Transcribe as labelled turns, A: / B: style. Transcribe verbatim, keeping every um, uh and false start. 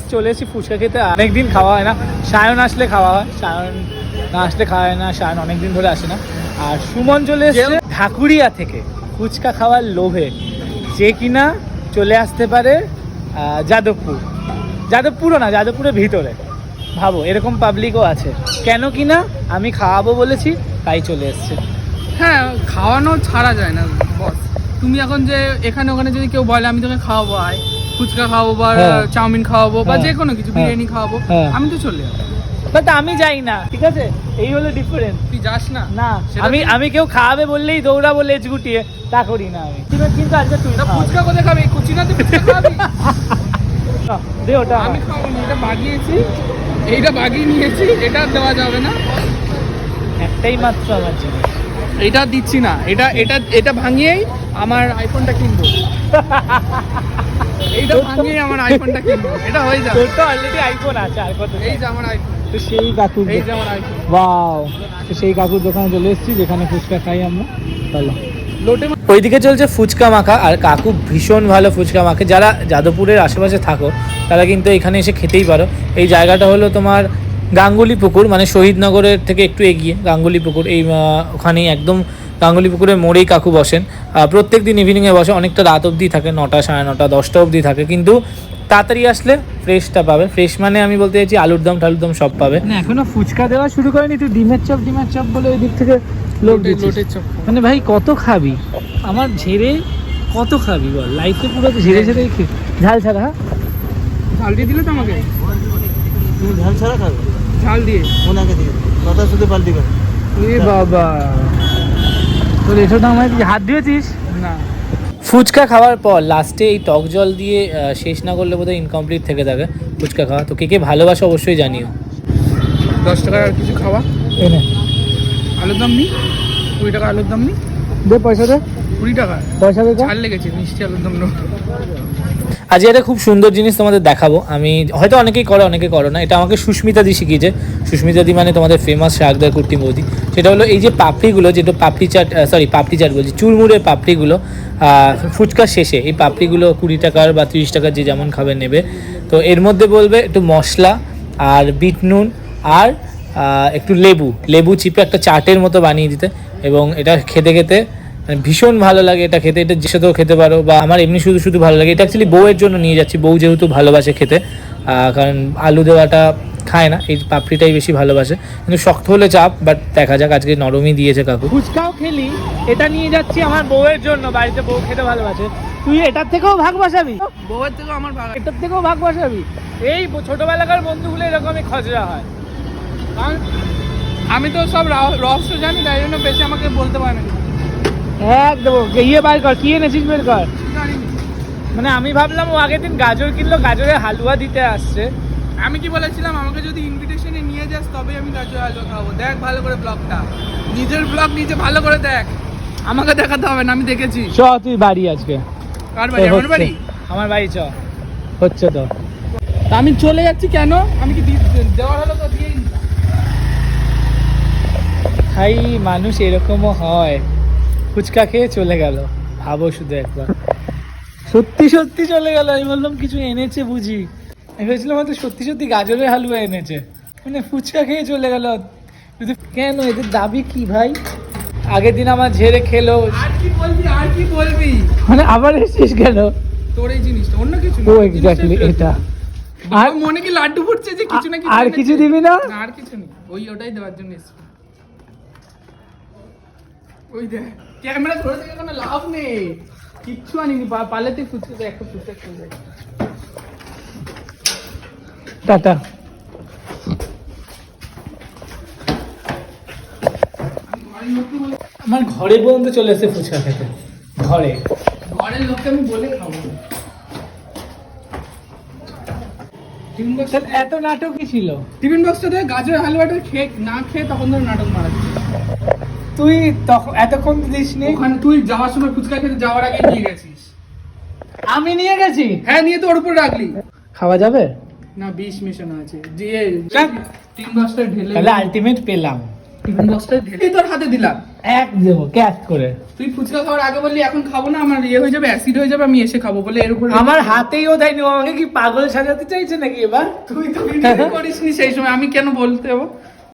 A: চলে এসেছি ফুচকা খেতে। অনেকদিন খাওয়া হয় না, সায়ন আসলে খাওয়া হয়, সায়ন না আসলে খাওয়া হয় না, সায়ন অনেকদিন ধরে আসে না। আর সুমন চলে এসেছে ঢাকুরিয়া থেকে ফুচকা খাওয়ার লোভে, যে কিনা চলে আসতে পারে যাদবপুর, যাদবপুরও না, যাদবপুরের ভিতরে। ভাবো এরকম পাবলিকও আছে, কেন কিনা আমি খাওয়াবো বলেছি তাই চলে এসছে।
B: হ্যাঁ, খাওয়ানো ছাড়া যায় না বস। তুমি এখন যে এখানে ওখানে যদি কেউ বলে আমি তোকে খাওয়াবো, আয় ফুচকা খাওয়াবো বা চাউমিন খাওয়াবো বা যে কোনো কিছু বিরিয়ানি খাওয়াবো, আমি তো চলে যাবো।
A: বাট আমি যাই না, ঠিক আছে, এই হলো ডিফারেন্স।
B: তুই যাস না?
A: না, আমি আমি কেউ খাওয়াবে বললেই দৌড়াবো লেজ গুটিয়ে, তা করি না আমি। কিন্তু আজকে তুই
B: ফুচকা কোথায় খাবি? কুচিনাতে ফুচকা খাবি?
A: দে ওটা।
B: আমি খাবো না, এটা বাগিয়েছি, এইটা বাগিয়ে নিয়েছি, এটা দেওয়া যাবে না।
A: একটাই মাত্র আমার জিনিস,
B: এটা দিচ্ছি না। এটা এটা এটা ভাঙিয়েই আমার আইফোনটা কিনবো। এইটা ভাঙিয়েই আমার আইফোনটা কিনবো, এটা হয়ে যাবে।
A: তোর তো অলরেডি আইফোন আছে, আর কত?
B: এই যে আমার আইফোন।
A: তো সেই কাকুর,
B: এই যে আমার আইফোন।
A: ওয়াও, তো সেই কাকুর দোকানে চলে এসেছি যেখানে ফুচকা খাই আমরা। চলো।
B: লোটে
A: ওইদিকে চলছে ফুচকা মাখা, আর কাকু ভীষণ ভালো ফুচকা মাখে। যারা যাদবপুরের আশেপাশে থাকো তারা কিন্তু এখানে এসে খেতেই পারো। এই জায়গাটা হলো তোমার গাঙ্গুলি পুকুর, মানে শহীদনগরের থেকে একটু এগিয়ে গাঙ্গুলি পুকুর। এই ওখানেই একদম গাঙ্গুলি পুকুরের মোড়েই কাকু বসেন। প্রত্যেক দিন ইভিনিংয়ে বসে, অনেকটা রাত অবধি থাকে, নটা সাড়ে নটা দশটা অবধি থাকে। কিন্তু তাড়াতাড়ি আসলে ফ্রেশটা পাবে। ফ্রেশ মানে আমি বলতে চাইছি আলুর দম টালুর দম সব পাবে। না এখনো ফুচকা দেওয়া শুরু করেনি, তুই ডিমের চপ ডিমের চপ বলে ওই দিক থেকে লোক
B: লোটের চপ।
A: মানে ভাই কত খাবি? আমার ঝেড়ে কত খাবি বল? লাইফে পুরো ঝেড়ে ঝেড়ে ঝাল ছাড়া। হ্যাঁ,
B: ঝাল দিয়ে দিলে তো আমাকে।
C: তুমি ঝাল ছাড়া খাবে?
B: ঝাল দিয়ে
C: ওনাকে দিয়ে কথা শুধু পাল্টি করে।
A: এ বাবা, তোর এসব তো আমার হাত দিয়েছিস
B: না।
A: ফুচকা খাওয়ার পর লাস্টে এই টক জল দিয়ে শেষ না করলে বোধহয় ইনকমপ্লিট থেকে থাকে ফুচকা খাওয়া। তো কে কে ভালোবাসো অবশ্যই জানিও।
B: দশ টাকার আর কিছু খাওয়া,
A: এনে
B: আলুর দম নি, কুড়ি টাকা আলুর দম নি।
A: দে পয়সা দে,
B: কুড়ি টাকা
A: পয়সা দে।
B: ছাড় লেগেছে মিষ্টি আলুর দম।
A: আজ একটা খুব সুন্দর জিনিস তোমাদের দেখাবো। আমি হয়তো অনেকেই করো অনেকে করো না, এটা আমাকে সুস্মিতা দি শিখিয়েছে। সুস্মিতা দি মানে তোমাদের ফেমাস শাকদার কুর্তি বৌদি। সেটা হলো এই যে পাপড়িগুলো, যেটা পাপড়ি চাট, সরি পাপড়ি চাট বলছি, চুরমুড়ের পাপড়িগুলো ফুচকার শেষে এই পাপড়িগুলো কুড়ি টাকার বা তিরিশ টাকার যে যেমন খাবে নেবে। তো এর মধ্যে বলবে একটু মশলা আর বিট নুন আর একটু লেবু লেবু চিপে একটা চাটের মতো বানিয়ে দিতে, এবং এটা খেতে খেতে ভীষণ ভালো লাগে। এটা খেতে, এটা যে সাথেও খেতে পারো, বা আমার এমনি শুধু শুধু ভালো লাগে। এটা অ্যাকচুয়ালি বউয়ের জন্য নিয়ে যাচ্ছি, বউ যেহেতু ভালোবাসে খেতে, কারণ আলু দেওয়াটা খায় না, এই পাপড়িটাই বেশি ভালোবাসে। কিন্তু শক্ত হলে চাপ, বাট দেখা যাক, আজকে নরমই দিয়েছে কাকু। ফুচকাও খেলি, এটা নিয়ে যাচ্ছি আমার বউয়ের জন্য, বাড়িতে বউ খেতে ভালোবাসে। তুই এটার থেকেও ভাগ বসাবি?
B: বউয়ের থেকেও আমার ভাগ,
A: এটার থেকেও ভাগ বসাবি? এই ছোটবেলাকার বন্ধুগুলো এরকমই খজরা হয়।
B: আমি তো সব রহস্য জানি, তাই জন্য বেশি আমাকে বলতে পারে না।
A: একদম ইয়ে বার কর, কি এনেছিস বের কর। মানে আমি ভাবলাম ও আগের দিন গাজর কিনলো, গাজরের হালুয়া দিতে আসছে।
B: আমি কি বলেছিলাম, আমাকে যদি ইনভিটেশনে নিয়ে যাস তবে আমি গাজর হালুয়া খাবো। দেখ ভালো করে ব্লগটা, নিজের ব্লগ নিজে ভালো করে দেখ, আমাকে দেখাতে হবে না, আমি দেখেছি।
A: চ তুই বাড়ি আজকে।
B: কার বাড়ি? আমার বাড়ি?
A: আমার বাড়ি চ, হচ্ছে তো।
B: আমি চলে যাচ্ছি কেন? আমি কি দেওয়ার হলো তো দিয়েই দিলাম।
A: ভাই মানুষ এরকমও হয়, ফুচকা খেয়ে চলে গেল। ভাবো শুধু একবার, সত্যি সত্যি চলে গেল। আমি বললাম কিছু এনেছে বুঝি, আমি ভেবেছিলাম হয়তো সত্যি সত্যি গাজরের হালুয়া এনেছে, মানে ফুচকা খেয়ে চলে গেল। কেন, এদের দাবি কি ভাই? আগের দিন আমার ঝেড়ে খেলো,
B: আর কি বলবি আর কি বলবি,
A: মানে আবার এসেছিস কেন?
B: তোর এই জিনিসটা অন্য কিছু
A: ও এক্স্যাক্টলি এটা।
B: আর মনে কি লাড্ডু ফুটছে যে কিছু না কিছু,
A: আর কিছু দিবি না?
B: আর কিছু নেই, ওই ওটাই দেওয়ার জন্য এসেছি। ওই দেখ ক্যামেরা ধরে থেকে কোনো লাভ নেই, কিচ্ছু আনিনি, পালেতে ফুটছে একটা ফুটছে খেয়ে যায়।
A: টাটা। আমার ঘরে পর্যন্ত চলে এসে ফুচকা খেতে, ঘরে
B: ঘরের লোককে আমি বলে খাবো।
A: এত নাটক কি ছিল?
B: টিফিন বক্সটা দিয়ে গাজরের হালুয়াটা খেয়ে না খেয়ে তখন ধরে নাটক মারাচ্ছি।
A: তুই তখন এতক্ষণ দিস নি?
B: ওখানে তুই যাওয়ার সময় ফুচকা খেতে যাওয়ার আগে নিয়ে গেছিস।
A: আমি নিয়ে গেছি?
B: হ্যাঁ, নিয়ে তো ওর উপর রাখলি।
A: খাওয়া যাবে
B: না, বিষ মেশানো আছে, দিয়ে টিফিন বক্সটা ঢেলে।
A: তাহলে আলটিমেট পেলাম,
B: টিফিন বক্সটা ঢেলেই তোর হাতে দিলাম।
A: এক দেবো ক্যাচ করে।
B: তুই ফুচকা খাওয়ার আগে বললি এখন খাবো না, আমার ইয়ে হয়ে যাবে, অ্যাসিড হয়ে যাবে, আমি এসে খাবো বলে এর উপর
A: আমার হাতেই ও দেয়নি, ও আমাকে কি পাগল সাজাতে চাইছে নাকি এবার?
B: তুই তো ভিডিও করিসনি সেই সময়, আমি কেন বলতে যাবো?